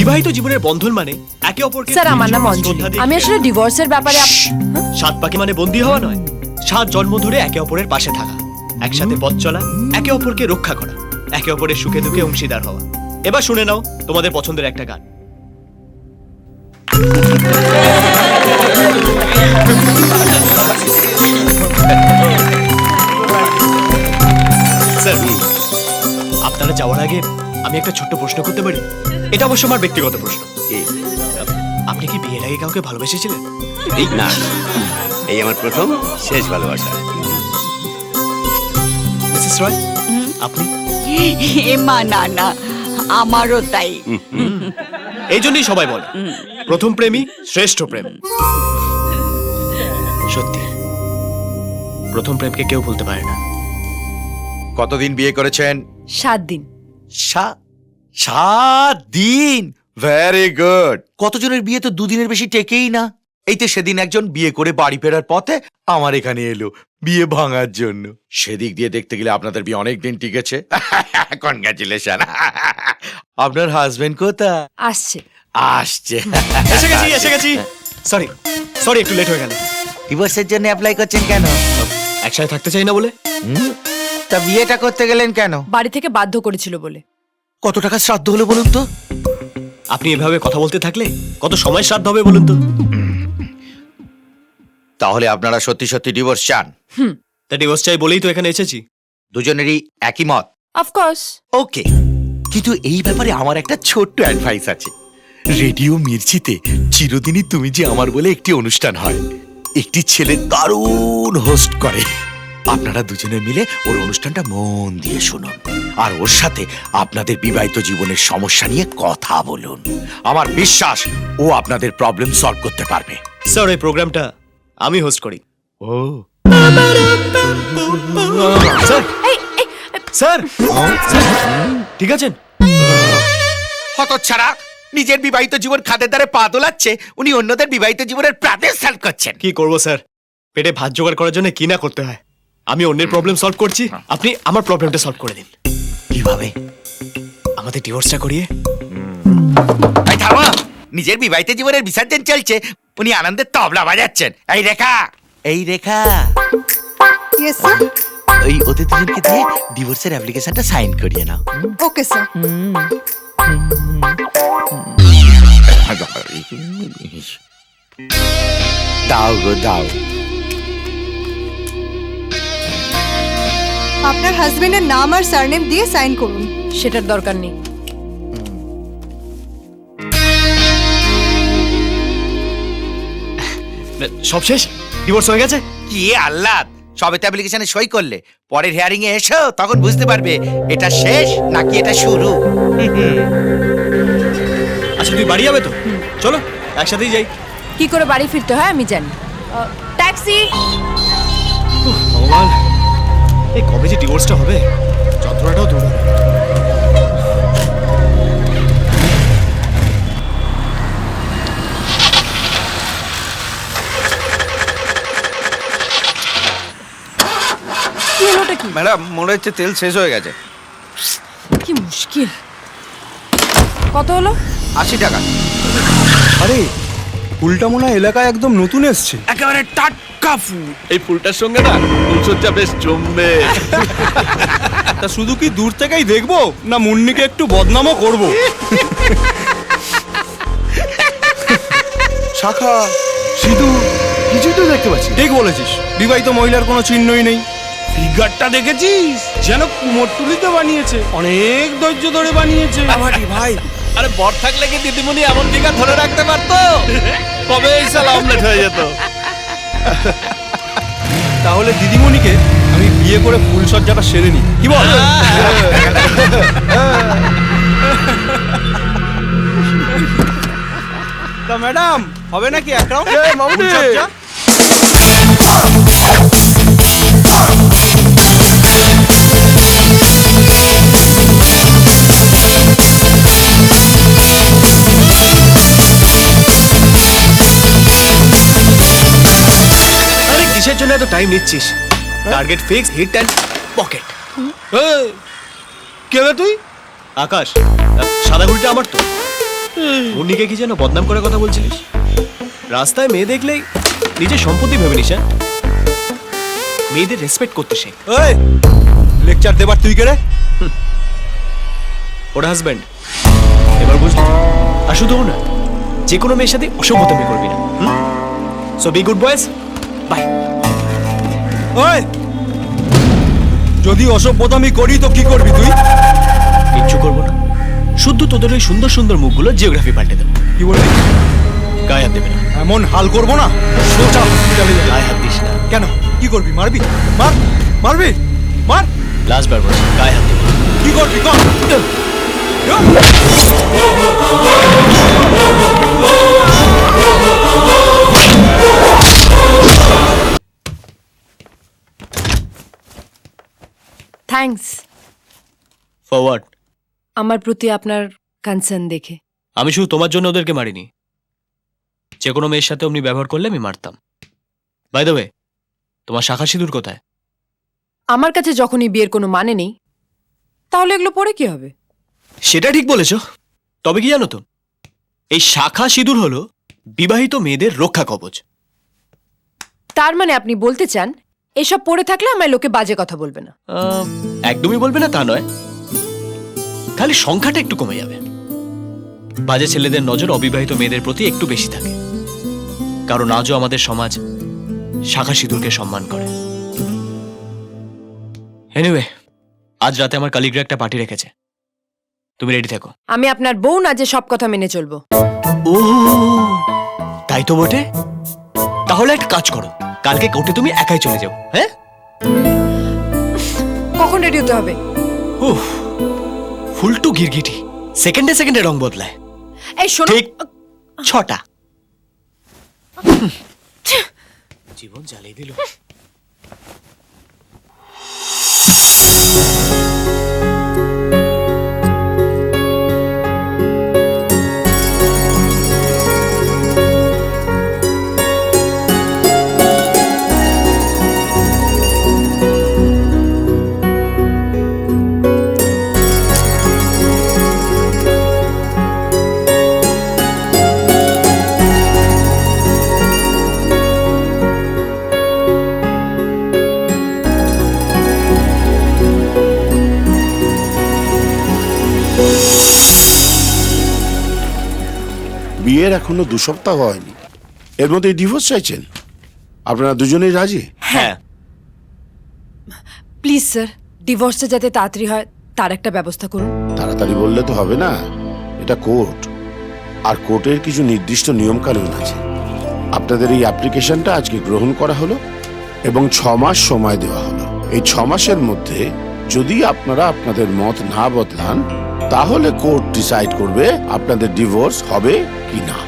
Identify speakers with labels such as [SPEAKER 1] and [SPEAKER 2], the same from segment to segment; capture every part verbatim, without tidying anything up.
[SPEAKER 1] বিবাহিত জীবনের বন্ধন মানে একে অপরকে
[SPEAKER 2] স্যার আমার নাম অঞ্জলি, আমি আসলে ডিভোর্সের ব্যাপারে।
[SPEAKER 1] সাত পাকে মানে বন্দী হওয়া নয়, সাত জন্ম ধরে একে অপরের পাশে থাকা, একসাথে পথ চলা, একে অপরকে রক্ষা করা, একে অপরের সুখে দুঃখে অংশীদার হওয়া। এবার শুনে নাও তোমাদের পছন্দের একটা গান। স্যার, আপনারা যাওয়ার আগে আমি একটা ছোট্ট প্রশ্ন করতে পারি? এটা অবশ্য আমার ব্যক্তিগত প্রশ্ন। আপনি কি বিয়ের আগে কাউকে ভালোবেসেছিলেন?
[SPEAKER 3] না, এই আমার প্রথম শেষ ভালোবাসা।
[SPEAKER 1] মিসেস রয়, আপনি?
[SPEAKER 4] মা না না, আমারও তাই।
[SPEAKER 1] এই জন্যই সবাই বলে প্রথম প্রেমই শ্রেষ্ঠ প্রেম। সত্যি, প্রথম প্রেমকে কেউ ভুলতে পারে না।
[SPEAKER 5] কতদিন বিয়ে করেছেন?
[SPEAKER 2] সাত দিন।
[SPEAKER 5] সাত দিন, ভেরি গুড। কতজনের বিয়ে তো দুদিনের বেশি টেকেই না। এই তো সেদিন একজন বিয়ে করে বাড়ি ফেরার পথে আমার এখানে এলো বিয়ে ভাঙার জন্য। সেদিক দিয়ে দেখতে গেলে আপনাদের বিয়ে অনেক দিন টিকেছে। কনগ্রাচুলেশন। আপনার হাজবেন্ড কোথায়?
[SPEAKER 2] আসছে
[SPEAKER 5] আসছে।
[SPEAKER 1] এসে গেছি এসে গেছি সরি সরি একটু লেট হয়ে গেল।
[SPEAKER 5] ডিভোর্সের জন্য অ্যাপ্লাই করছেন কেন?
[SPEAKER 1] একসাথে থাকতে চাই না বলে।
[SPEAKER 5] তা বিয়েটা করতে গেলেন কেন?
[SPEAKER 2] বাড়ি থেকে বাধ্য করেছিল বলে।
[SPEAKER 5] কত টাকা শ্রাদ্ধ হলো বলুন তো?
[SPEAKER 1] আপনি এভাবে কথা বলতে থাকলে কত সময় শ্রাদ্ধ হবে বলুন তো?
[SPEAKER 5] তাহলে আপনারা সত্যি সত্যি ডিভোর্স চান?
[SPEAKER 2] হুম,
[SPEAKER 1] তা ডিভোর্স চাই বলেই তো এখানে এসেছি।
[SPEAKER 5] দুজনেরই একই মত?
[SPEAKER 2] অফকোর্স।
[SPEAKER 5] ওকে, কিন্তু এই ব্যাপারে আমার একটা ছোট্ট অ্যাডভাইস আছে। রেডিও মির্চিতে চিরদিনই তুমি যে আমার বলে একটি অনুষ্ঠান হয়, একটি ছেলে দারুণ হোস্ট করে। আপনারা দুজনে মিলে ওর অনুষ্ঠানটা মন দিয়ে শুনুন, আর ওর সাথে আপনাদের বিবাহিত জীবনের সমস্যা নিয়ে কথা বলুন। আমার বিশ্বাস ও আপনাদের প্রবলেম সলভ করতে পারবে।
[SPEAKER 1] স্যার, এই প্রোগ্রামটা আমি হোস্ট করি।
[SPEAKER 5] ও
[SPEAKER 1] স্যার স্যার ঠিক আছেন?
[SPEAKER 5] হতচ্ছাড়া, নিজের বিবাহিত জীবন খাদের দ্বারে পা দোলাচ্ছে, উনি অন্যদের বিবাহিত জীবনের প্রবলেম সলভ করছেন।
[SPEAKER 1] কি করব স্যার, পেটে ভাত জোগাড় করার জন্য কি না করতে হয়। আমি অন্যের প্রবলেম সলভ করছি, আপনি আমার প্রবলেমটা সলভ করে দিন।
[SPEAKER 5] কিভাবে?
[SPEAKER 1] আমাদের ডিভোর্সটা করিয়ে।
[SPEAKER 5] এই থামো, নিজের বিবাহিত জীবনের বিসর্জন চলছে, উনি আনন্দের তবলা বাজাচ্ছেন। এই রেখা, এই রেখা,
[SPEAKER 6] ইয়েস স্যার।
[SPEAKER 5] ওই ওদের দুজনকে দিয়ে ডিভোর্সের অ্যাপ্লিকেশনটা সাইন করিয়ে নাও।
[SPEAKER 6] Okay sir.
[SPEAKER 5] দাও গো দাও।
[SPEAKER 6] আপনার হাজবেন্ডের নাম আর সারনেম দিয়ে সাইন করুন।
[SPEAKER 2] সেটার দরকার নেই।
[SPEAKER 1] সব শেষ, ডিভোর্স হয়ে গেছে।
[SPEAKER 5] কি আহ্লাদ, সবে তো অ্যাপ্লিকেশনে সই করলে, পরের হিয়ারিং এ এসো, তখন বুঝতে পারবে এটা শেষ নাকি এটা শুরু।
[SPEAKER 1] আচ্ছা, তুই বাড়ি যাবে তো? চলো একসাথেই যাই।
[SPEAKER 2] কি করে বাড়ি ফিরতে হয় আমি জানি। ট্যাক্সি।
[SPEAKER 1] ভগবান, এই কবে যে ডিভোর্সটা হবে, যন্ত্রণাটাও দূর হবে।
[SPEAKER 2] কি হলোটা কি?
[SPEAKER 7] ম্যাডাম, মনে হচ্ছে তেল শেষ হয়ে গেছে।
[SPEAKER 2] কি মুশকিল। কত হলো?
[SPEAKER 7] আশি টাকা। আরে, ফুলটা মনে হয় এলাকায় একদম নতুন এসছে।
[SPEAKER 3] একেবারে টাটকা ফুল। এই ফুলটার সঙ্গে না ফুলসজ্জা বেশ জমবে।
[SPEAKER 7] তা শুধু কি দূর থেকেই দেখবো, না মুন্নিকে একটু বদনামও করব? শাখা, সিঁদুর, কিছুই তো দেখতে পাচ্ছি। ঠিক বলেছিস, বিবাহিত মহিলার কোনো চিহ্নই নেই। ফিগারটা দেখেছিস? যেন কুমোরটুলিতে বানিয়েছে, অনেক ধৈর্য ধরে বানিয়েছে। ভাই,
[SPEAKER 3] আরে বর থাকলে কি দিদিমণি এমন ফিগার ধরে রাখতে পারতো? কবে এই সালা অমলেট হয়ে যেত।
[SPEAKER 7] তাহলে দিদিমণিকে আমি বিয়ে করে ফুলসজ্জাটা সেরে নি, কি বল? তা ম্যাডাম, হবে নাকি এক রাউন্ড ফুলসজ্জা?
[SPEAKER 1] আরে কিসের জন্য এত টাইম নিচ্ছিস? Target fix, hit and pocket.
[SPEAKER 7] কে রে তুই?
[SPEAKER 1] আকাশ, সাদা ঘুড়িটা আমার তো। মুন্নিকে কি যেন বদনাম করে কথা বলছিলিস? রাস্তায় মেয়ে দেখলেই নিজের সম্পত্তি ভেবে নিস, হ্যাঁ? মেয়েদের রেসপেক্ট করতে শেখ।
[SPEAKER 7] এই লেকচার দেবার তুই কে রে?
[SPEAKER 1] ওর হাজব্যান্ড। এবার বুঝলি? আর শুধু ও না, যে কোনো মেয়ের সাথে অসভ্যতামি করবি না। So be good boys, bye.
[SPEAKER 7] ওই যদি অসভ্যতামি করি তো কি করবি তুই?
[SPEAKER 1] কিচ্ছু করবো না, শুধু তোদের ওই সুন্দর সুন্দর মুখগুলো জিওগ্রাফি পাল্টে দেবো।
[SPEAKER 7] কি বলবি?
[SPEAKER 1] গায়ে হাত দেবে না।
[SPEAKER 7] এমন হাল করবো না, সোজা হসপিটালে যাবি।
[SPEAKER 1] গায়ে হাত দিস না।
[SPEAKER 7] কেন? কি করবি? মারবি? মার, মারবি? মার।
[SPEAKER 1] লাস্ট বার বলছি, গায়ে হাত দেবে না।
[SPEAKER 7] কি করবি কর?
[SPEAKER 2] Thanks
[SPEAKER 1] forward.
[SPEAKER 2] আমার প্রতি আপনার কনসার্ন দেখে।
[SPEAKER 1] আমি শুধু তোমার জন্য ওদেরকে মারিনি, যে কোনো মেয়ের সাথে অমনি ব্যবহার করলে আমি মারতাম। বাই দ্য ওয়ে, তোমার শাখা সিঁদুর কোথায়?
[SPEAKER 2] আমার কাছে যখনই বিয়ের কোনো মানে নেই, তাহলে এগুলো পরে কি হবে?
[SPEAKER 1] সেটা ঠিক বলেছ, তবে কি জানো তো, এই শাখা সিঁদুর হলো বিবাহিত মেয়েদের রক্ষা কবচ।
[SPEAKER 2] তার মানে আপনি বলতে চান এসব পড়ে থাকলে আমায় লোকে বাজে কথা বলবে না?
[SPEAKER 1] আহ, একদমই বলবে না তা নয়, খালি সংখ্যাটা একটু কমে যাবে। বাজে ছেলেদের নজর অবিবাহিত মেয়েদের প্রতি একটু বেশি থাকে, কারণ আজও আমাদের সমাজ শাখা সিঁদুরকে সম্মান করে। এনিওয়ে, আজ রাতে আমার কালিগরা একটা পার্টি রেখেছে, তুমি রেডি থেকো।
[SPEAKER 2] আমি আপনার বউ না যে সব কথা মেনে চলবো।
[SPEAKER 1] ও তাই তো বটে, তাহলে একটা কাজ করো, কালকে কোর্টে তুমি একাই চলে যাও। হ্যাঁ,
[SPEAKER 2] কখন রেডি হতে হবে?
[SPEAKER 1] উফ, ফুলটু গিরগিটি সেকেন্ডে সেকেন্ডে রং বদলায়।
[SPEAKER 2] এই শোনো,
[SPEAKER 1] ঠিক ছটা। জীবন জ্বালিয়ে দিল।
[SPEAKER 8] বিয়ের এখনো দু সপ্তাহ হয়নি, এর মধ্যে ডিভোর্স চাইছেন? আপনারা দুজনেই রাজি?
[SPEAKER 1] হ্যাঁ,
[SPEAKER 2] প্লিজ স্যার, ডিভোর্সটা যাতে তাড়াতাড়ি হয় তার একটা ব্যবস্থা করুন।
[SPEAKER 8] তাড়াতাড়ি বললে তো হবে না, এটা কোর্ট, আর কোর্টের কিছু নির্দিষ্ট নিয়ম কানুন আছে। আপনাদের এই অ্যাপ্লিকেশনটা আজকে গ্রহণ করা হলো এবং ছ মাস সময় দেওয়া হলো। এই ছ মাসের মধ্যে যদি আপনারা আপনাদের মত না বদলান, তাহলে কোর্ট ডিসাইড করবে আপনাদের ডিভোর্স হবে কি না।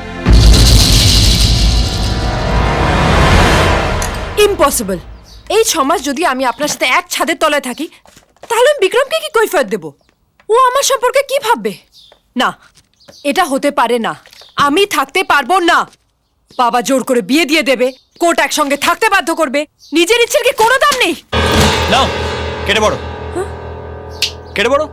[SPEAKER 2] ইম্পসিবল। এই ছ মাস যদি আমি আপনার সাথে এক ছাদের তলায় থাকি, তাহলে আমি বিক্রমকে কি কৈফিয়ত দেব? ও আমার সম্পর্কে কি ভাববে? না, এটা হতে পারে না। আমি থাকতে পারবো না। বাবা জোর করে বিয়ে দিয়ে দেবে, কোর্ট একসঙ্গে থাকতে বাধ্য করবে। নিজের ইচ্ছের কি কোনো দাম নেই?
[SPEAKER 1] নাও কেটে পড়ো, কেটে পড়ো।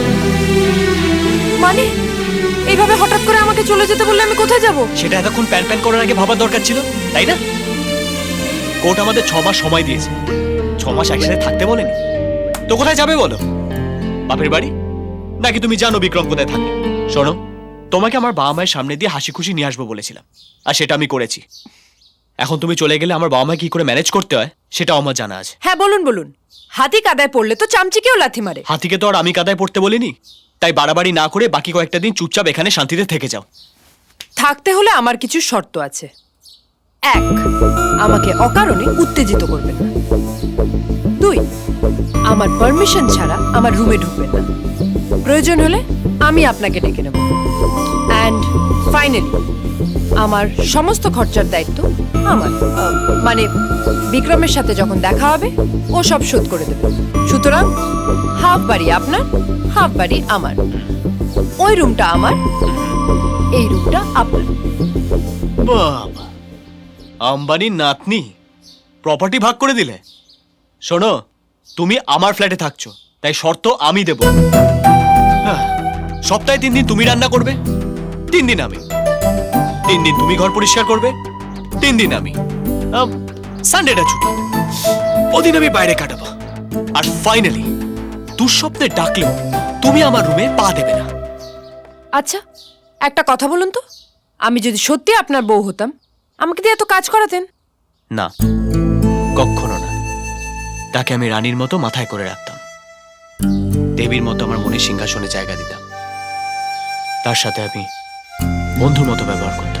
[SPEAKER 2] মানে এইভাবে হঠাৎ করে আমাকে চলে যেতে বললে আমি কোথায় যাব?
[SPEAKER 1] সেটা এতক্ষণ প্যান প্যান করার আগে ভাবার দরকার ছিল, তাই না? কোর্ট আমাদের ছ মাস সময় দিয়েছে, ছ মাস একসাথে থাকতে বলেনি তো কোথায় যাবে বলো? বাপের বাড়ি? নাকি তুমি জানো বিক্রম কোথায় থাকে? শোনো, তোমাকে আমার বাবা মায়ের সামনে দিয়ে হাসি খুশি নিয়ে আসবো বলেছিলাম, আর সেটা আমি করেছি। এখন তুমি চলে গেলে আমার বাবা মা কি করে ম্যানেজ করতে হয় সেটাও আমার জানা আছে।
[SPEAKER 2] হ্যাঁ বলুন বলুন। হাতি কাদায় পড়লে তো চামচিকেও লাথি মারে।
[SPEAKER 1] হাতিকে তো আর আমি কাদায় পড়তে বলিনি, তাই বাড়াবাড়ি না করে বাকি কয়েকটা দিন চুপচাপ এখানে শান্তিতে থেকে যাও।
[SPEAKER 2] থাকতে হলে আমার কিছু শর্ত আছে। এক, আমাকে অকারণে উত্তেজিত করবেন না। দুই, আমার পারমিশন ছাড়া আমার রুমে ঢুকবেন না। প্রয়োজন হলে আমি আপনাকে ডেকে নেব। অ্যান্ড ফাইনালি, আমার সমস্ত খরচার দায়িত্ব আমার। আহ, মানে বিক্রমের সাথে যখন দেখা হবে ও সব শোধ করে দেবে। সুতরাং হাফ বাড়ি আপনার, হাফ বাড়ি আমার। ওই রুমটা আমার, এই রুমটা আপনার।
[SPEAKER 1] বাবা, আম্বানির নাতনি, প্রপার্টি ভাগ করে দিলে। শোনো, তুমি আমার ফ্ল্যাটে থাকছো, তাই শর্ত আমি দেব। হ্যাঁ, সপ্তাহে তিন দিন তুমি রান্না করবে, তিন দিন আমি তিন দিন তুমি ঘর পরিষ্কার করবে, তিন দিন আমি সানডেটা ছুটি, ওদিন আমি বাইরে কাটাবো। আর ফাইনালি দুঃস্বপ্নে ডাকলেও তুমি আমার রুমে পা দেবে না।
[SPEAKER 2] আচ্ছা একটা কথা বলুন তো, আমি যদি সত্যি আপনার বউ হতাম আমাকে দিয়ে এত কাজ করাতেন?
[SPEAKER 1] না, কখনো না। তাকে আমি রানীর মতো মাথায় করে রাখতাম, দেবীর মতো আমার মনে সিংহাসনে জায়গা দিতাম, তার সাথে আমি বন্ধুর মতো ব্যবহার করতাম।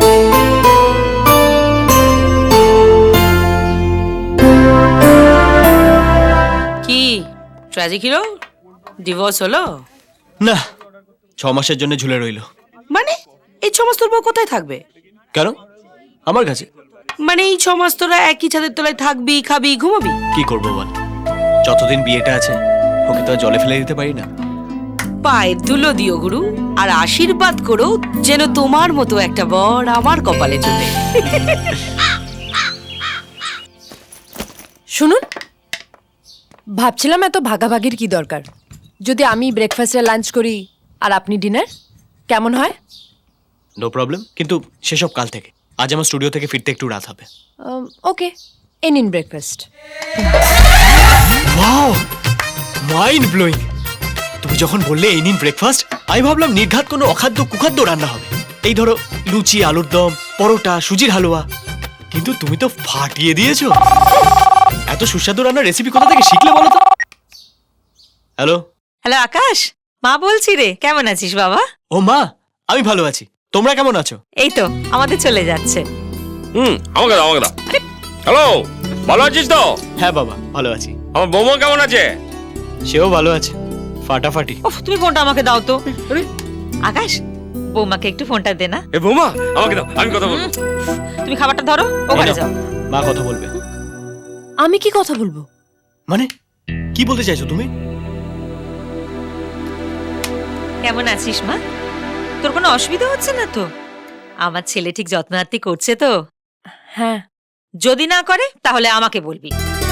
[SPEAKER 9] কি ট্র্যাজিক হিরো ডিভোর্স হলো?
[SPEAKER 1] না, ছ মাসের জন্য ঝুলে রইলো।
[SPEAKER 9] মানে এই ছ মাস তোর বউ কোথায় থাকবে?
[SPEAKER 1] কেন? আমার কাছে।
[SPEAKER 9] মানে এই ছ মাস তোরা একই ছাদের তলায় থাকবি, খাবি, ঘুমাবি?
[SPEAKER 1] কি করবো বল, যতদিন বিয়েটা আছে ওকে তো আর জলে ফেলে দিতে পারি না।
[SPEAKER 9] পায়ের ধুলো দিও গুরু, আর আশীর্বাদ করো যেন তোমার মতো একটা বর আমার কপালে জুটে।
[SPEAKER 2] শুনুন, ভাবছিলাম এত ভাগাভাগির কি দরকার, যদি আমি ব্রেকফাস্টে লাঞ্চ করি আর আপনি ডিনার, কেমন হয়?
[SPEAKER 1] নো প্রবলেম, কিন্তু সেসব কাল থেকে। আজ আমার স্টুডিও থেকে ফিরতে একটু রাত হবে।
[SPEAKER 2] ওকে, এ নিন ব্রেকফাস্ট।
[SPEAKER 1] Wow, mind blowing. তুমি যখন বললে এই নিন ব্রেকফাস্ট, আমি ভাবলাম নির্ঘাত কোনো অখাদ্য কুখাদ্য রান্না হবে। এই ধরো লুচি, আলুর দম, পরোটা, সুজির হালুয়া। কিন্তু তুমি তো ফাটিয়ে দিয়েছো। এত সুস্বাদু রান্নার রেসিপি কোথা থেকে শিখলে বলো তো? হ্যালো
[SPEAKER 9] হ্যালো আকাশ, মা বলছি রে, কেমন আছিস বাবা?
[SPEAKER 1] ও মা, আমি ভালো আছি, তোমরা কেমন আছো?
[SPEAKER 9] এই তো আমাদের চলে যাচ্ছে।
[SPEAKER 3] হুম, আমাকে দাও, আমাকে দাও। হ্যালো, ভালো আছিস তো?
[SPEAKER 1] হ্যাঁ বাবা, ভালো আছি।
[SPEAKER 3] আমার বৌমা কেমন আছে?
[SPEAKER 1] সেও ভালো আছে, ফাটাফাটি।
[SPEAKER 9] উফ, তুমি ফোনটা আমাকে দাও তো। আকাশ, বৌমাকে একটু ফোনটা দে না।
[SPEAKER 3] এ বৌমা, আমাকে দাও, আমি কথা বলবো।
[SPEAKER 9] তুমি খাবারটা ধরো, ওখানে যাও।
[SPEAKER 1] মা কথা বলবে।
[SPEAKER 2] আমি কি কথা বলবো?
[SPEAKER 1] মানে কি বলতে চাইছো তুমি?
[SPEAKER 9] কেমন আছিস মা? তোর কোনো অসুবিধা হচ্ছে না তো? আমার ছেলে ঠিক যত্ন আত্তি করছে তো?
[SPEAKER 2] হ্যাঁ।
[SPEAKER 9] যদি না করে তাহলে আমাকে বলবি।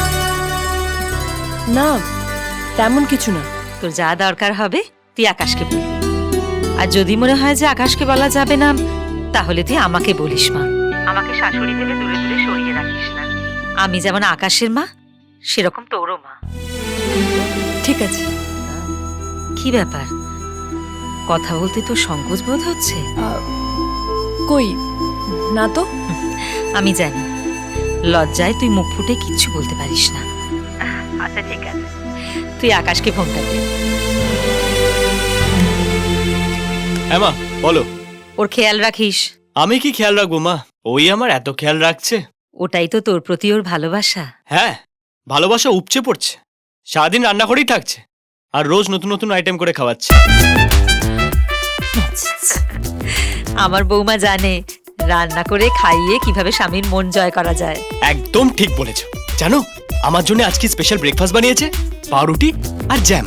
[SPEAKER 2] না, তেমন কিছু না।
[SPEAKER 9] তোর যা দরকার হবে তুই আকাশকে বলবি, আর যদি মনে হয় যে আকাশকে বলা যাবে না তাহলে তুই আমাকে বলিস মা। আমাকে শাশুড়ি ভেবে দূরে দূরে সরিয়ে রাখিস না। আমি যেমন আকাশের মা, সেরকম তোরও মা।
[SPEAKER 2] ঠিক আছে।
[SPEAKER 9] কি ব্যাপার, কথা বলতে তোর সংকোচ বোধ হচ্ছে?
[SPEAKER 2] আহ, কই না তো।
[SPEAKER 9] আমি জানি, লজ্জায় তুই মুখ ফুটে কিচ্ছু বলতে পারিস না। আচ্ছা ঠিক আছে, তুই আকাশকে ফোনটা দে।
[SPEAKER 1] হ্যাঁ মা, বলো।
[SPEAKER 9] ওর খেয়াল রাখিস।
[SPEAKER 1] আমি কি খেয়াল রাখবো মা, ওই আমার এত খেয়াল রাখছে।
[SPEAKER 9] ওটাই তো তোর প্রতি ওর ভালোবাসা।
[SPEAKER 1] হ্যাঁ, ভালোবাসা উপচে পড়ছে, সারাদিন রান্না করেই থাকছে, আর রোজ নতুন নতুন আইটেম করে খাওয়াচ্ছে।
[SPEAKER 9] আমার বৌমা জানে রান্না করে খাইয়ে কিভাবে স্বামীর মন জয় করা যায়।
[SPEAKER 1] একদম ঠিক বলেছো। জানো, আমার জন্য আজকে স্পেশাল ব্রেকফাস্ট বানিয়েছে, পাউরুটি আর জ্যাম।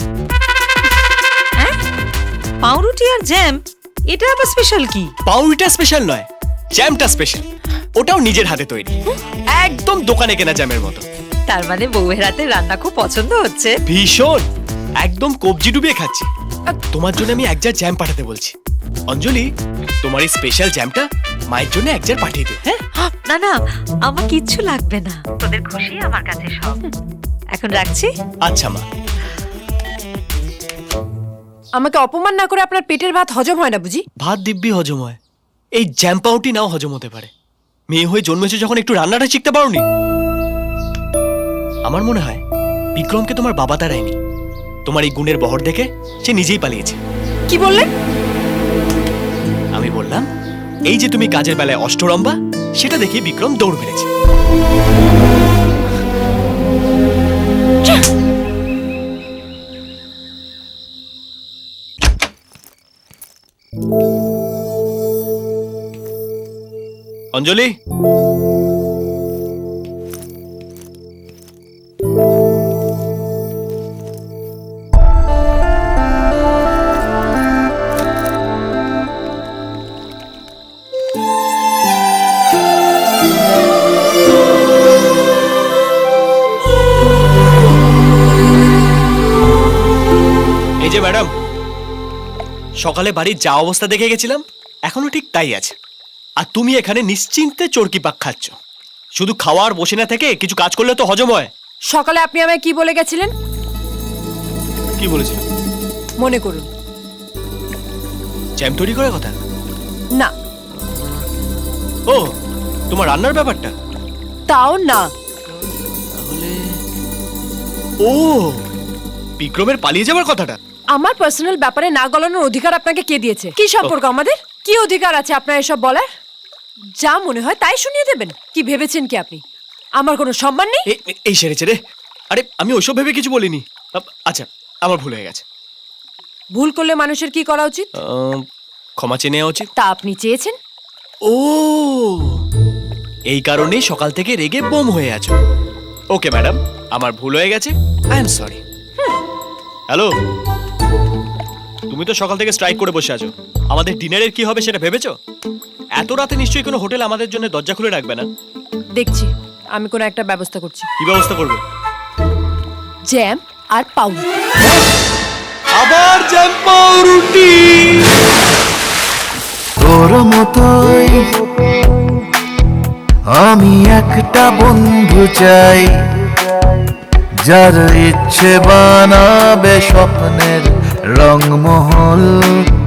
[SPEAKER 9] পাউরুটি আর জ্যাম? এটা আবার স্পেশাল কি?
[SPEAKER 1] পাউরুটিটা স্পেশাল নয়, জ্যামটা স্পেশাল। ওটাও নিজের হাতে তৈরি, একদম দোকানে কেনা জ্যামের মতো।
[SPEAKER 9] তার মানে বউয়ের হাতে রান্না খুব পছন্দ হচ্ছে।
[SPEAKER 1] ভীষণ, একদম কবজি ডুবিয়ে খাচ্ছি। আর তোমার জন্য আমি এক জার জ্যাম পাঠাতে বলছি। অঞ্জলি, তোমার এই স্পেশাল জ্যামটা মায়ের জন্য এক জার পাঠিয়ে দে। হ্যাঁ?
[SPEAKER 9] না না, আমার কিচ্ছু লাগবে না, তোদের খুশি আমার কাছে সব। এখন রাখছি।
[SPEAKER 1] আচ্ছা মা।
[SPEAKER 2] আমাকে অপমান না করে আপনার পেটের ভাত হজম হয় না বুঝি?
[SPEAKER 1] ভাত দিব্যি হজম হয়, এই জ্যাম পাউটি নাও হজম হতে পারে। মেয়ে হয়ে জন্মেছে যখন একটু রান্নাটা শিখতে পারোনি? আমার মনে হয় বিক্রমকে তোমার বাবা তারায়নি, তোমার এই গুণের বহর দেখে সে নিজেই পালিয়েছে।
[SPEAKER 2] কি বললেন?
[SPEAKER 1] আমি বললাম, এই যে তুমি কাজের বেলায় অষ্টরম্বা, সেটা দেখে বিক্রম দৌড় মেরেছে। অঞ্জলি, এই যে ম্যাডাম, সকালে বাড়ির যা অবস্থা দেখে গেছিলাম এখনো ঠিক তাই আছে। আর তুমি এখানে নিশ্চিন্তে চরকি পাক খাচ্ছ। শুধু খাওয়া আর বসে না থেকে কিছু কাজ করলে তো হজম হয়।
[SPEAKER 2] সকালে আপনি আমায় কি বলে গেছিলেন
[SPEAKER 1] কি বলেছিল?
[SPEAKER 2] মনে করুন।
[SPEAKER 1] জ্যাম তৈরি করার কথা?
[SPEAKER 2] না,
[SPEAKER 1] ও, তোমার রান্নার ব্যাপারটা?
[SPEAKER 2] তাও না।
[SPEAKER 1] তাহলে ও, বিক্রমের পালিয়ে যাওয়ার কথাটা?
[SPEAKER 2] আমার পার্সোনাল ব্যাপারে না গলানোর অধিকার আপনাকে কে দিয়েছে? কি সম্পর্ক আমাদের? কি অধিকার আছে আপনার এসব বলার? যা মনে হয় তাই শুনিয়ে দেবেন? কি ভেবেছেন কি আপনি আমার কোনো সম্মান নেই?
[SPEAKER 1] এ- এ- এই সেরেছে রে। আরে আমি ওইসব ভেবে কিছু বলিনি। আপ- আচ্ছা, আমার ভুল হয়ে গেছে।
[SPEAKER 2] ভুল করলে মানুষের কি করা উচিত?
[SPEAKER 1] আহ, ক্ষমা চেয়ে নেওয়া উচিত।
[SPEAKER 2] তা আপনি চেয়েছেন?
[SPEAKER 1] ও, এই কারণেই সকাল থেকে রেগে বোম হয়ে আছো। ওকে ম্যাডাম, আমার ভুল হয়ে গেছে, আই এম সরি। হ্যালো, তুমি তো সকাল থেকে স্ট্রাইক করে বসে আছো। আমাদের ডিনারের কি হবে সেটা ভেবেছো? এত রাতে নিশ্চয়ই কোনো হোটেল আমাদের জন্য দরজা খুলে রাখবে না।
[SPEAKER 2] দেখছি, আমি কোনো একটা ব্যবস্থা করছি।
[SPEAKER 1] কি ব্যবস্থা করবে?
[SPEAKER 2] জ্যাম আর পাউরুটি।
[SPEAKER 1] আবার জ্যাম পাউরুটি?
[SPEAKER 10] তোর মতোই আমি একটা বন্ধু চাই, যার ইচ্ছে বানাবে স্বপ্নের রংমহল।